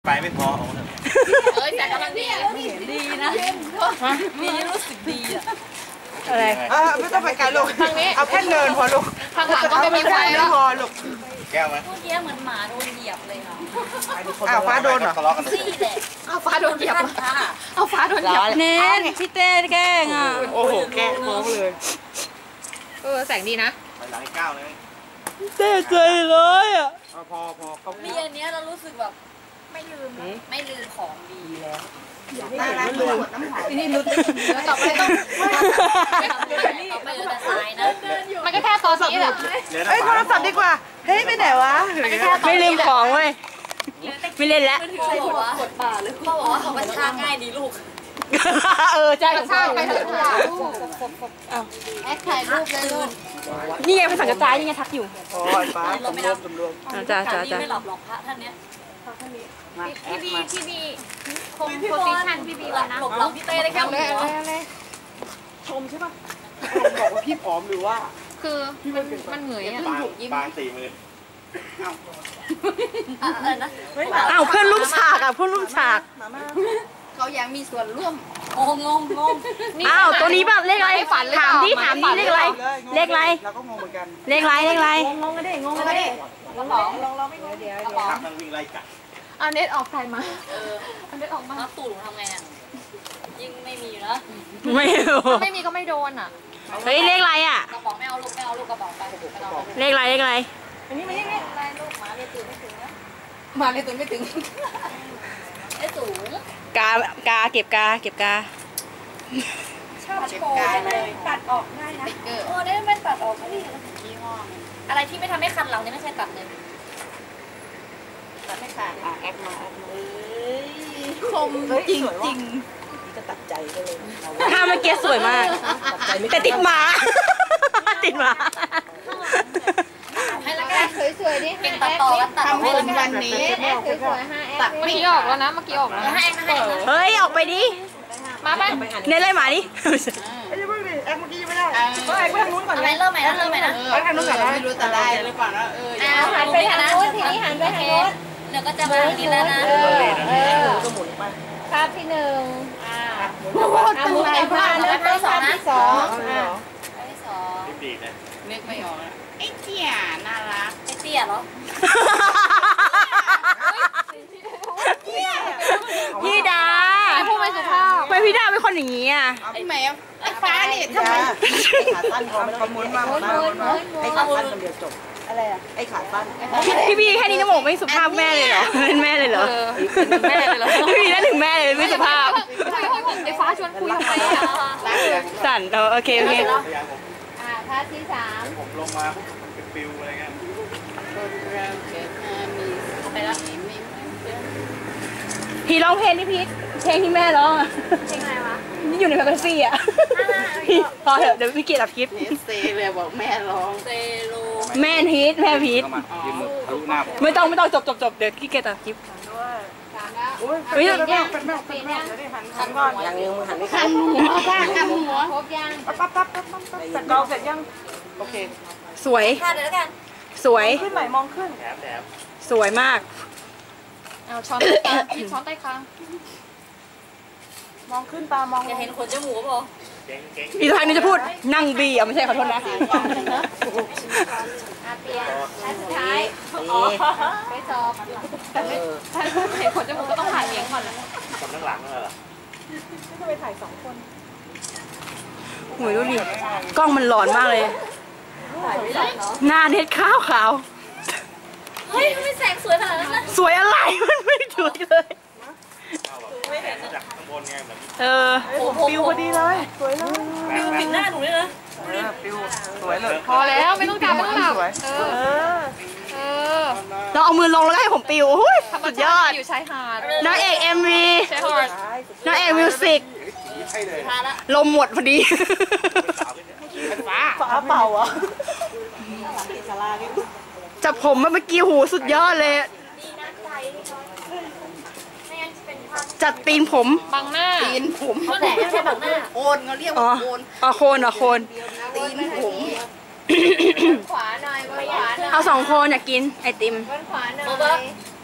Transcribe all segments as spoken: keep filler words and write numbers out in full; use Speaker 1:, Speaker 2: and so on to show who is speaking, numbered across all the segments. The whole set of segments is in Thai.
Speaker 1: ไปไม่พอเอ้ยแต่กำลังดีดีนะมีรู้สึกดีอะ
Speaker 2: อะไรไม่ต้องไปไกลลูกเอาแค่เนินพอลูก
Speaker 1: ทางหลังก็ไม่มีไฟแล้ว
Speaker 2: พอลูก
Speaker 1: แก้วไหมเมื่อกี้เหมือนหมาโดนเหยียบเลยค่ะ
Speaker 2: อ้าวฟ้าโดนเหรอ
Speaker 1: ซี่แหละเอาฟ้าโดนเหยียบเอาฟ้าโดนเหยียบ
Speaker 2: เน้นพี่เต้แกล้งอ่ะโอ้โหแกล้งน้องเลย
Speaker 3: เออแสงดีนะ
Speaker 1: ไปหลังก้าวเลย
Speaker 2: เต้ใจเลยอ่ะ
Speaker 1: พอพอเขามีอันนี้เรารู้สึกแบบไม่ลืมไม่ลืมของดีแล้ว
Speaker 2: น่ารักเลยที่นี่ลุ้น
Speaker 1: แล้วต่อไปต้องต่อไปจะตายนะ
Speaker 3: มันก็แค่ตอนนี้แหละ
Speaker 2: เฮ้ยโทรศัพท์ดีกว่าเฮ้ยไปไหนวะไม่ลืมของเว้ยไม่เล่นแล้ว
Speaker 1: เขาบอกว่ากดป่าเลยเขาบอกว่าเขาบัญชาง่ายดีลูก
Speaker 2: เออใช่
Speaker 3: บัญชาไปเถอะ
Speaker 1: แอคถ่ายรูปเลยลูก
Speaker 2: นี่ไงภาษากระจายนี่ไงทักอยู่
Speaker 1: อ๋อฟ้าสมรวมสมรวม
Speaker 2: จ้าจ้าจ้า
Speaker 1: ไม่หลับหรอกพระท่านเนี้ย
Speaker 3: พี่บีพี่บีคงโพสิชันพี่บีแล้วนะ
Speaker 1: หลบหลังพี่เต้ได้แค่หัว
Speaker 2: ชมใช่ป่ะบอกว่าพี่ผอมหรือว่า
Speaker 3: คือมันมันเหนื่อยอ่ะ
Speaker 1: บางสี่มือ
Speaker 2: อ้าวเพื่อนร่วมฉากอ่ะเพื่อนร่วมฉาก
Speaker 1: เขายังมีส่วนร่วมงงงงง
Speaker 2: อ้าวตัวนี้ป่ะเลขอะไรถามดิถามดิเลขอะไรเลขอะไร
Speaker 1: เราก็งงเหมือนกัน
Speaker 2: เลขอะไรเลขอะไร
Speaker 1: งงกันดิงงกันดิกระป๋องลองเราไม่งงเดี๋ยวกระป๋องมันวิ่งไล่กัด
Speaker 3: เอาเน็ตออกใครมา
Speaker 1: เออเอาเน็ตออกมาแล้วตูดทำไงอ่ะยิ่งไม่มีนะ
Speaker 2: ไม่รู้
Speaker 3: ไม่มีก็ไม่โดนอ่ะ
Speaker 2: เฮ้ยเลขอะไรอ่ะ
Speaker 1: กระป๋องไม่เอาลูกไม่เอาลูกกระป๋องไป
Speaker 2: เลขอะไรเลขอะไร
Speaker 1: อันนี้มันยังไงอะไรลูกหมาเลยตื่นไม่ถึงนะหมาเลยตื่นไม่ถึงไอ้สูง
Speaker 2: กากาเก็บกาเก็บกา
Speaker 1: ชอบโชว์เลยตัดออกได้นะโอ้ได้ไม่ตัดออกไม่ดียี่ห้ออะไรที่ไม่ทำให้คันเราเนี่ยไม่ใช่ตัดเลยตัดไม่ขาดอ่ะแอคมาแอคมาคมจริงจริงนี่ก็ตัดใจก็เลย
Speaker 2: ถ้าเมื่อกี้สวยมากแต่ติดหมาติดหมา
Speaker 1: ให้ละกัน
Speaker 3: สวยๆดิ
Speaker 1: เก่งตัดต่อกันตัดให้ละกันวันนี้
Speaker 3: สวยๆห้าแอคเมื่อกี้ออกแล้วนะเมื่อกี้ออกแล้ว
Speaker 1: ให้ให้
Speaker 2: เฮ้ยออกไปดิ
Speaker 3: มาไป
Speaker 2: เน้นเลยหมาดิ
Speaker 1: ไอ้ยังไม่ได้แอคเมื่อกี้ยังไม่ได้ก็แอคไปทางนู้นก่อนอะไรเริ่มใหม่นะเริ่มใหม่นะ
Speaker 2: แอคทางนู้นก่อนนะ
Speaker 1: ไม่รู้แต่ได้หรือเปล่านะเออ
Speaker 3: หันไปทางนู้นทีนี้หันไปทางนู้น
Speaker 1: เดี๋ยวก็จะมาทางนี้แล้วนะ
Speaker 3: เออก็หมุนไปภาพที่หนึ่งอ่าหมุนไปภาพแล้วภาพที่สองอ่า
Speaker 1: ภาพที่สองดีนะนึกไม่ออกไอ้เตี้ยน่ารักไอ้เตี้ยเหรอ
Speaker 2: พี่ดา
Speaker 3: พูดไม่สุภาพ
Speaker 2: ทำไมพี่ดาเป็นคนอย่างนี้อ่ะ
Speaker 1: ไอ้แมวไอ้ฟ้านี่ทำไมขาสั้นพอมันหมุนมาหมุนมาไอ้ขาสั้นมันเดียวจบอะไรอ่ะไอ้ขาสั้น
Speaker 2: พี่พี่แค่นี้น้ำหมกไม่สุภาพแม่เลยเหรอเป็นแม่เลยเหรอ
Speaker 3: เป็นแม่เลยเหรอ
Speaker 2: พี่นั่นถึงแม่เลยไม่สุภาพ
Speaker 3: ไอ้ฟ้าชวนคุยทำไมอ่ะ
Speaker 2: สั่นโอเคโอเค
Speaker 3: อ่าภาพที่สาม
Speaker 1: ผมลงมามันเป็นปิวอะไรเงี้ยไปแล้ว
Speaker 2: พี่ร้องเพลงนี่พี่เพลงที่แม่ร้องอ่ะ
Speaker 3: เพลงอะไรวะ
Speaker 2: นี่อยู่ในแฟนตาซีอ่ะพี่พอเถอะเดี๋ยวพี่เกียรติอัดคลิป
Speaker 1: เซเลยบอกแม่ร้องเซโล
Speaker 2: แม่พีทแม่พีทไม่ต้องไม่ต้องจบจบจบเดี๋ยวพี่เกียรติอัดคลิป
Speaker 3: เฮ้ยเป็นแม่เป็นแม่เป็นแม่
Speaker 1: หันก่อนยังยังหันไม่
Speaker 3: หันหัวบ้างหันหัวครบยัง
Speaker 2: ปั๊บปั๊บปั๊บปั๊บปั๊บเสร็จเราเสร็จยังโอเคสวย
Speaker 1: ค่ะเดี๋ยวกัน
Speaker 2: สวย
Speaker 1: ขึ้นไหนมองขึ้นแถมแถม
Speaker 2: สวยมาก
Speaker 3: เอาช้อนใต้คางช้อนใต้คาง
Speaker 1: มองขึ้นตามองจะเห็นขนจมูกป่ะ
Speaker 2: อีกทางนึงจะพูดนั่งบีอ่ะไม่ใช่ขอโทษนะ
Speaker 3: อาเปียอันสุดท้ายไปสอบถ้าเห็นขนจมูกก็ต้องถ่ายเลี้ยงก่อนเลย
Speaker 1: คนข้างหลังเลยเหรอ
Speaker 3: จะไปถ่ายสองคน
Speaker 2: โหยดูดิกล้องมันหลอนมากเลยหน้าเน็ตขาวขาว
Speaker 1: เฮ้ยไม่แสงสวยขนาดนั้นนะ
Speaker 2: สวยอะไรมันไม่สวยเลย
Speaker 1: ไม่เห็นจากข้างบนไงเหมือน
Speaker 2: เออ
Speaker 1: ปิวพอดีเลยสวยเลยปิวปิดหน้าหนูเลยนะปิวสวยเลย
Speaker 3: พอแล้วไม่ต้องจับไม่ต้องจับเออเออ
Speaker 2: เราเอามือลงแล้วให้ผมปิวสุดยอด
Speaker 3: อยู่ชายหาด
Speaker 2: นางเอกเอ็มวีนางเอกมิวสิกลมหมดพอดี
Speaker 1: ฟ้าฟ้าเป่าอ่ะ
Speaker 2: จับผมเมื่อกี้หูสุดยอดเลยจัดตีนผม
Speaker 3: บังหน้า
Speaker 1: ตีนผมเขาแหละไม่ใช่บังหน้าโคนเขาเรียกว่าโคน
Speaker 2: อ๋อโคนอ๋อโคน
Speaker 1: ตีนผม
Speaker 3: ขวาหน่อยขวาหน่อย
Speaker 2: เอาสองโคนอยากกินไอติม
Speaker 3: ขวาหน่อย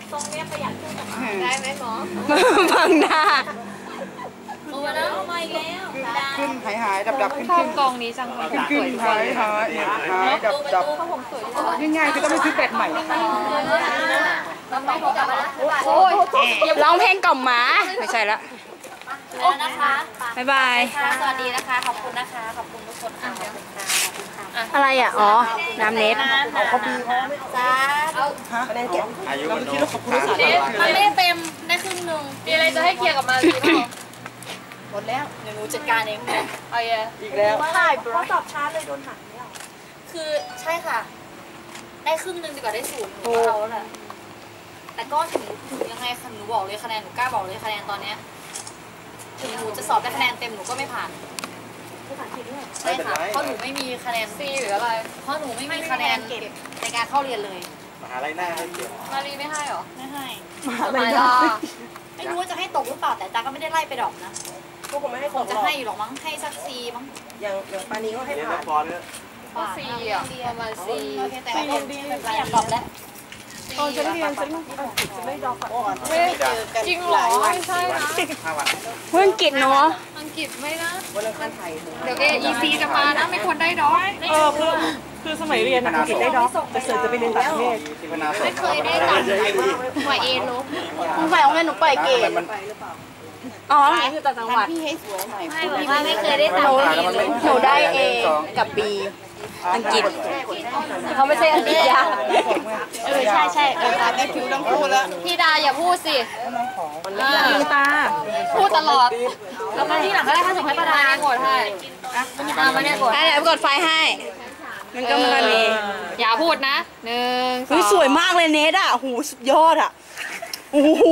Speaker 1: ตรงเนี้ยประหยัดขึ้นกับ
Speaker 3: ได้ไหมหมอ
Speaker 2: บังหน้า
Speaker 1: โอ้แล้วมาอีกแล้ว
Speaker 4: ขึ้นหายหายดับดับขึ้น
Speaker 3: ชอ
Speaker 4: ขึ้
Speaker 3: บ
Speaker 4: น
Speaker 3: กองนี้จังเลย
Speaker 4: ขึ้นขึ้นหายหายหายดับดับง่ายๆคือต้องไปซื้อแบตใหม่
Speaker 1: แล้วไปกลับมาแล้ว
Speaker 3: โอ้ย
Speaker 2: ร้องเพลงกล่อมหมาไม่ใช่ละ
Speaker 1: แล้วนะคะ
Speaker 2: บ๊ายบาย
Speaker 1: ค่ะสวัสดีนะคะ ขอบคุณนะคะ ขอบคุณทุกคนค่ะขอบคุณค่ะขอบคุณค่ะ
Speaker 2: อะไรอ่ะ อ๋อ น้ำเน็ต
Speaker 1: เขาปีเขาไม่จ้า
Speaker 4: คะแนนเก็บ
Speaker 5: อายุ
Speaker 4: เรา
Speaker 5: มัน
Speaker 4: คิด
Speaker 5: น้อ
Speaker 4: ว่าย ขอบคุณที่สุด
Speaker 1: มันไม่ได้เต็มได้ครึ่งหนึ่ง
Speaker 3: มีอะไรจะให้เคลียร์กับมารีเปล่า
Speaker 1: หมดแล้วเดี๋ยวหนูจัดการเอง
Speaker 3: เอาเย่
Speaker 4: อีกแล้ว
Speaker 1: ใช่เพราะตอบช้าเลยโดนหักเนี่ยคือใช่ค่ะ ได้ครึ่งหนึ่งดีกว่าได้ศูนย์หนูก็เอาแล้วแหละแต่ก็ถึงถึงยังไงคะหนูบอกเลยคะแนนหนูกล้าบอกเลยคะแนนตอนเนี้ยถึงหนูจะสอบได้คะแนนเต็มหนูก็ไม่ผ่านใช่ค่ะเพราะหนูไม่มีคะแนน
Speaker 3: ซีหรืออะไร
Speaker 1: เพราะหนูไม่มีคะแนนเก็บในการเข้าเรียนเลย
Speaker 5: มหาลัยหน้าให้เกียรติ
Speaker 3: มารีไม่ให้หรอ
Speaker 1: ไม่ให้
Speaker 3: ทำไมล่ะ
Speaker 1: ไม่รู้ว่าจะให้ตกหรือเปล่าแต่ตาก็ไม่ได้ไล่ไปดอกนะ
Speaker 4: พวกผมไม่ให้
Speaker 1: ค
Speaker 4: ของ
Speaker 1: งจะ
Speaker 4: หรอก
Speaker 1: ให้อยู่หรอกมั้งให้สักซีมั้ง
Speaker 4: อย่างอย่างปานีก็ให้
Speaker 5: เรียน
Speaker 4: ผ่า
Speaker 5: ละ
Speaker 4: น
Speaker 5: ครเนี่ย
Speaker 3: ก็ซีอ่ะประมาณซี
Speaker 1: โอเคแต่ไม่ไม่อยากตอบแล้ว
Speaker 4: ตอนฉันเรียนฉันจะไม่ดอกก่อน
Speaker 3: ไม่จริงเหรอไม่ใช่นะ
Speaker 5: ห้าวัน
Speaker 2: เพื่อนกิจเนาะ
Speaker 3: อังกฤษไม่นะ
Speaker 4: วันอังคารไทย
Speaker 3: เดี๋ยว เอ อี ซี จะมานะไม่ควรได้ดอก
Speaker 4: เออคือคือสมัยเรียนอังกฤษได้ดอกจะเสิร์ฟจะไปเรียนต่างประเทศ
Speaker 5: ที่พนาส
Speaker 3: ไม่เคยได้ตังค์หน่วยเอลบ
Speaker 2: มึงไปเอาเงินหนูปล่อยเกต
Speaker 5: มัน
Speaker 2: อ๋อนี่คือต่างจังหวัด
Speaker 4: พี่ให้สวยหน่อย
Speaker 1: ไม่บอกว่าไม่เคยได้
Speaker 2: ห
Speaker 1: ตัง
Speaker 2: นู
Speaker 1: ค์
Speaker 2: หนูได้เอกับบีอังกฤษเขาไม่ใช่อังกฤษยาก
Speaker 1: เออใช่ใช่เออ
Speaker 4: ตาได้คิวทั้งคู่แล้ว
Speaker 3: พี่ดาอย่าพูดสิ
Speaker 2: ลืมตา
Speaker 3: พูดตลอด แล้วมาที่หลังก็ได้ถ้าส่งให้ประธานเนี่ยกดให้อ่ะมาเนี่ยกด
Speaker 2: อ่ะเดี๋ยวกดไฟให้ มันก็มันเอง
Speaker 3: อย่าพูดนะหนึ่งส
Speaker 2: เฮ้ย
Speaker 3: อง
Speaker 2: สวยมากเลยเนทอ่ะโอ้โหสุดยอดอ่ะโอ้โห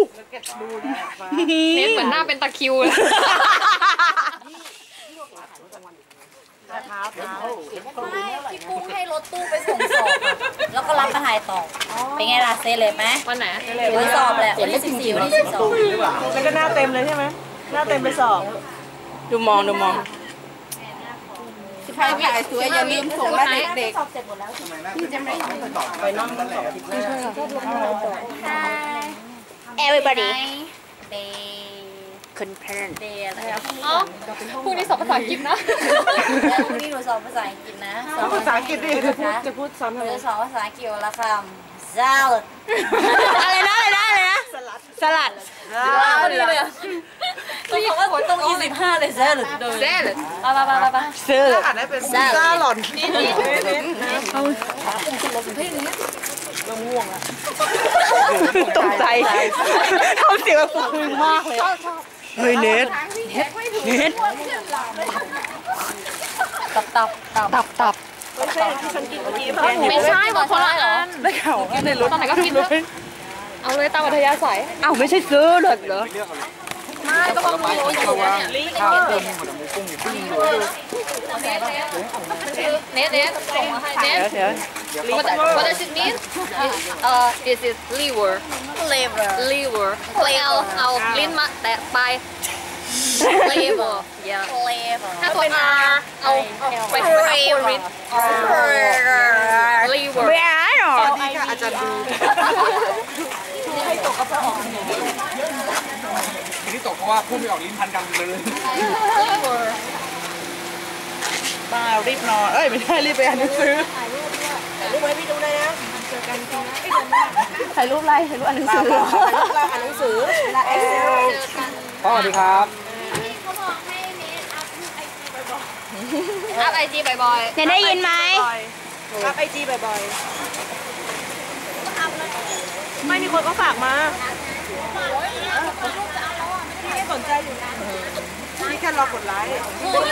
Speaker 3: เน็ตเหมือนหน้าเป็นตะคริวเลย
Speaker 1: ไม่พี่กุ้งให้รถตู้ไปส่งสอบอะแล้วก็รับมาถ่ายต่อเป็นไงล่ะเซเลยไหม
Speaker 3: วันไหน
Speaker 1: วันสอบแหละวันที่สิบสี่วันที่สิบสอง
Speaker 4: แล้วก็หน้าเต็มเลยใช่ไหมหน้าเต็มไปสอบ
Speaker 2: ดูมองดูมอง
Speaker 4: ใครถ่ายสวยอย่าลืมส่งมาเด็ก
Speaker 1: สอบเสร็จหมดแล้ว
Speaker 5: ทำไมหน้าเป็นตอบ
Speaker 4: ๆไปนั่งสอบผิดหน้า
Speaker 1: Hi everybody day
Speaker 2: คุณเพื่อน
Speaker 1: day อะไรอะ
Speaker 3: อ๋อพรุ่งนี้สอบภาษาอังกฤษนะ
Speaker 1: แล้วพรุ่งนี้หนูสอบภาษาอังกฤษนะสอบ
Speaker 4: ภาษาอังกฤษดิจะพูดจะพูดซ้ำ
Speaker 1: ห
Speaker 4: ทำ
Speaker 1: นู
Speaker 4: ไม
Speaker 1: จะสอบภาษาอังกฤษวันละคำ salad
Speaker 2: อะไรนะอะไรนะอะไรนะ สลัด
Speaker 1: ว้าวดีเลยอะต้องบอกว่าตรงยี่สิบห้าเลย salad
Speaker 3: เซ่เลย
Speaker 1: ไปไปไปไป
Speaker 2: ซื้อ
Speaker 4: อ่านได้เป็นซ่าหล่อนง่วงอ่ะ
Speaker 2: ตกใจทำเสียงแบบพึงมากเลยเฮ้ยเนทเนท
Speaker 1: ตับตับตับ
Speaker 2: ตับตับ
Speaker 4: ไม่ใช่ที่ฉันกินเมื่อกี้
Speaker 3: ไม่ใช่บอกคนละอัน
Speaker 2: ได้ข่าวกินในรถ
Speaker 3: ตอนไหนก็กินเลยเอาเลยตามอัธยาศัย
Speaker 2: อ้าวไม่ใช่ซื้อเหรอเหรอ
Speaker 3: ไม่ก็ต้องมีอยู่เนี่ย
Speaker 5: ข้าวเติมหมดหมูกุ้งอยู่ปิ้งอยู่
Speaker 3: เน็ตเน็ตส่งมาให้เน็ต
Speaker 2: เดี๋ยวเดี๋ยว
Speaker 3: What what does it mean? Uh, this is liver.
Speaker 1: flavor
Speaker 3: Liver. เอาเอาลิ้นมาแตะไป Liver. Yeah.
Speaker 1: flavor
Speaker 3: ถ้าตัว R เอาไปไปเอาคนริด Liver.
Speaker 2: ไม่อ่านหรอ
Speaker 4: นี่ค่ะอาจารย์ดู
Speaker 5: ทีนี้ตกเพราะว่าพูดไม่ออกลิ้นพันกันเลย
Speaker 3: Liver.
Speaker 4: มารีบนอนเอ้ยไม่ได้รีบไปอ่านหนังสือรูปให้พี่ดูเลยนะ
Speaker 2: ถ่ายรูปอะไรถ่ายรูปอ่านหนังสือ
Speaker 4: เราอ่านหนังสือและเอ็กเซล
Speaker 5: สวัสดีครับ
Speaker 3: อัพไอจีบ่อย
Speaker 2: เนี่ยได้ยินไหม
Speaker 4: อัพไอจีบ่อยๆไม่มีคนก็ฝากมาพี่สนใจอยู่นะพี่แค่รอกดไลค์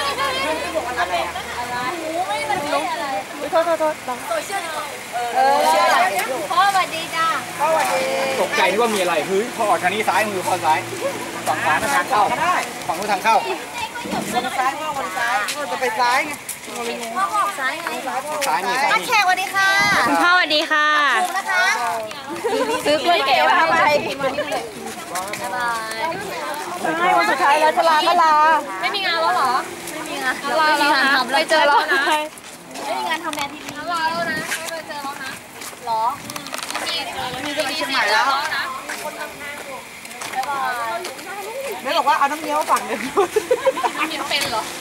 Speaker 4: โทษโทษโทษ
Speaker 1: เออพ่อสวัสดีจ้า
Speaker 5: ตกใจที่ว่ามีอะไรเฮ้ยพอออกทางนี้ซ้ายมือพอซ้ายฝั่งขวาทางเข้าฝั่งนู้นทางเข้า
Speaker 4: วนซ้ายว่าวนซ้ายก็จะไปซ้ายไง
Speaker 1: พ่อบอกซ้ายไง
Speaker 5: ซ้ายนี่ซ้าย
Speaker 1: นัก
Speaker 5: นี่
Speaker 1: แขกสวัสดีค่ะ
Speaker 2: คุณพ่อสวัสดีค่ะ
Speaker 1: นะคะ
Speaker 2: ซื้อกล้วยแก่มาทำอะไร
Speaker 1: บ๊ายบาย
Speaker 4: วันสุดท้ายแล้วจะลาก็ลา
Speaker 3: ๆ ไม่มีงานแล้วเหรอ
Speaker 1: ไม่มีงาน
Speaker 3: ลาแล้วนะไปเจอแล้วนะ
Speaker 1: ไม่มีงานทำแนวทีวี
Speaker 3: ลาแล้วนะไม่ไปเจอแล้วนะ
Speaker 1: หรอ
Speaker 3: มี
Speaker 4: นี่จะไปเชียงใหม่แล้วเบสบอกว่าเอาน้ำเงี้ยวฝั่งหนึ่ง
Speaker 1: ยังเป็นเหรอ